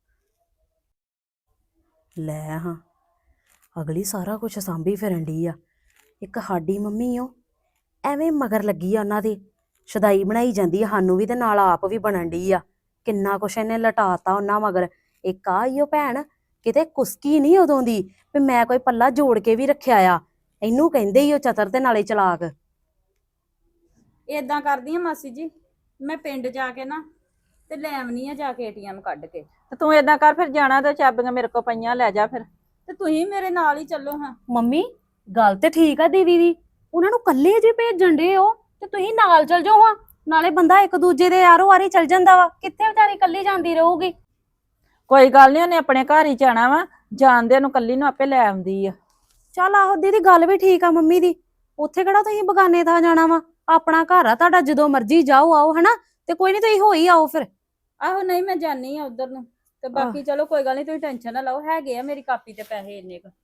S6: ਲੈ ਹਾਂ, ਅਗਲੀ ਸਾਰਾ ਕੁਝ ਸਾਂਭੀ ਫਿਰਨ ਡਈ ਆ। ਇੱਕ ਸਾਡੀ ਮੰਮੀ ਉਹ ਐਵੇਂ ਮਗਰ ਲੱਗੀ ਆ ਉਹਨਾਂ ਦੇ, ਸ਼ਦਾਈ ਬਣਾਈ ਜਾਂਦੀ ਆ ਸਾਨੂੰ ਵੀ ਤੇ ਨਾਲ ਆਪ ਵੀ ਬਣਨ ਡਈ ਆ। ਕਿੰਨਾ ਕੁਛ ਇਹਨੇ ਲਟਾਤਾ ਉਹਨਾਂ ਮਗਰ। ਇੱਕ ਆ ਈ ਉਹ ਭੈਣ ਕਿਤੇ ਕੁਸਕੀ ਨਹੀਂ ਉਦੋਂ ਦੀ ਵੀ ਮੈਂ ਕੋਈ ਪੱਲਾ ਜੋੜ ਕੇ ਵੀ ਰੱਖਿਆ ਆ। ਇਹਨੂੰ ਕਹਿੰਦੇ ਈ ਉਹ ਚਤਰ ਤੇ ਨਾਲੇ ਚਲਾਕ।
S8: ਏਦਾਂ ਕਰਦੀ ਆ ਮਾਸੀ ਜੀ, ਮੈਂ ਪਿੰਡ ਜਾ ਕੇ ਨਾ ਤੇ ਲੈ ਆਉਣੀ ਆ ਜਾ ਕੇ ਏਟੀਐਮ ਕੱਢ ਕੇ।
S7: ਤੇ ਤੂੰ ਏਦਾਂ ਕਰ, ਫਿਰ ਜਾਣਾ ਤੇ ਚਾਬੀਆਂ ਮੇਰੇ ਕੋਲ ਪਈਆਂ, ਲੈ ਜਾ ਫਿਰ।
S8: ਤੇ ਤੁਸੀਂ ਮੇਰੇ ਨਾਲ ਹੀ ਚੱਲੋ ਹਾਂ।
S6: ਮੰਮੀ ਗੱਲ ਤੇ ਠੀਕ ਆ ਦੀਦੀ ਦੀ, ਉਹਨਾਂ ਨੂੰ ਕੱਲੇ ਜੇ ਭੇਜਣ ਡੇ ਹੋ ਤੇ ਤੁਸੀਂ ਨਾਲ ਚੱਲ ਜਾਓ ਹਾਂ। ਨਾਲੇ ਬੰਦਾ ਇੱਕ ਦੂਜੇ ਦੇ ਆਰੋ ਆਰੀ ਚੱਲ ਜਾਂਦਾ ਵਾ, ਕਿੱਥੇ ਵਿਚਾਰੀ ਕੱਲੀ ਜਾਂਦੀ ਰਹੂਗੀ।
S7: ਕੋਈ ਗੱਲ ਨਹੀਂ, ਉਹਨੇ ਆਪਣੇ ਘਰ ਹੀ ਜਾਣਾ ਵਾ, ਜਾਣਦੇ ਨੂੰ ਕੱਲੀ ਨੂੰ ਆਪੇ ਲੈ ਆਉਂਦੀ ਆ।
S6: ਚੱਲ ਆਹੋ ਦੀਦੀ ਗੱਲ ਵੀ ਠੀਕ ਆ ਮੰਮੀ ਦੀ, ਉੱਥੇ ਕਿਹੜਾ ਤੁਸੀਂ ਬਗਾਨੇ ਥਾਂ ਜਾਣਾ ਵਾ, ਆਪਣਾ ਘਰ ਆ ਤੁਹਾਡਾ, ਜਦੋਂ ਮਰਜ਼ੀ ਜਾਓ ਆਓ ਹਨਾ। ਤੇ ਕੋਈ ਨਹੀਂ ਤੁਸੀਂ ਹੋ ਹੀ ਆਓ ਫਿਰ।
S8: ਆਹੋ ਨਹੀਂ ਮੈਂ ਜਾਨੀ ਆ ਉਧਰ ਨੂੰ, ਤੇ ਬਾਕੀ ਚਲੋ ਕੋਈ ਗੱਲ ਨਹੀਂ, ਤੁਸੀਂ ਟੈਨਸ਼ਨ ਨਾ ਲਓ, ਹੈਗੇ ਆ ਮੇਰੀ ਕਾਪੀ ਤੇ ਪੈਸੇ ਇੰਨੇ ਕੁ।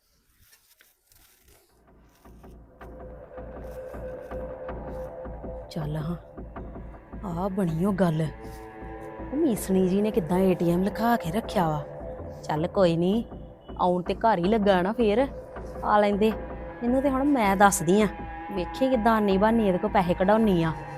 S6: ਚੱਲ ਹਾਂ, ਆ ਬਣੀ ਉਹ ਗੱਲ। ਉਹ ਮੀਸਣੀ ਜੀ ਨੇ ਕਿੱਦਾਂ ਏਟੀਐਮ ਲਿਖਾ ਕੇ ਰੱਖਿਆ ਵਾ। ਚੱਲ ਕੋਈ ਨਹੀਂ, ਆਉਣ ਤੇ ਘਰ ਹੀ ਲੱਗਾ ਨਾ, ਫੇਰ ਆ ਲੈਂਦੇ ਇਹਨੂੰ। ਤੇ ਹੁਣ ਮੈਂ ਦੱਸਦੀ ਆ, ਵੇਖੀ ਕਿੱਦਾਂ ਆਨੀ ਬਾਨੀ ਇਹਦੇ ਕੋਲ ਪੈਸੇ ਕਢਾਉਣੀ ਆ।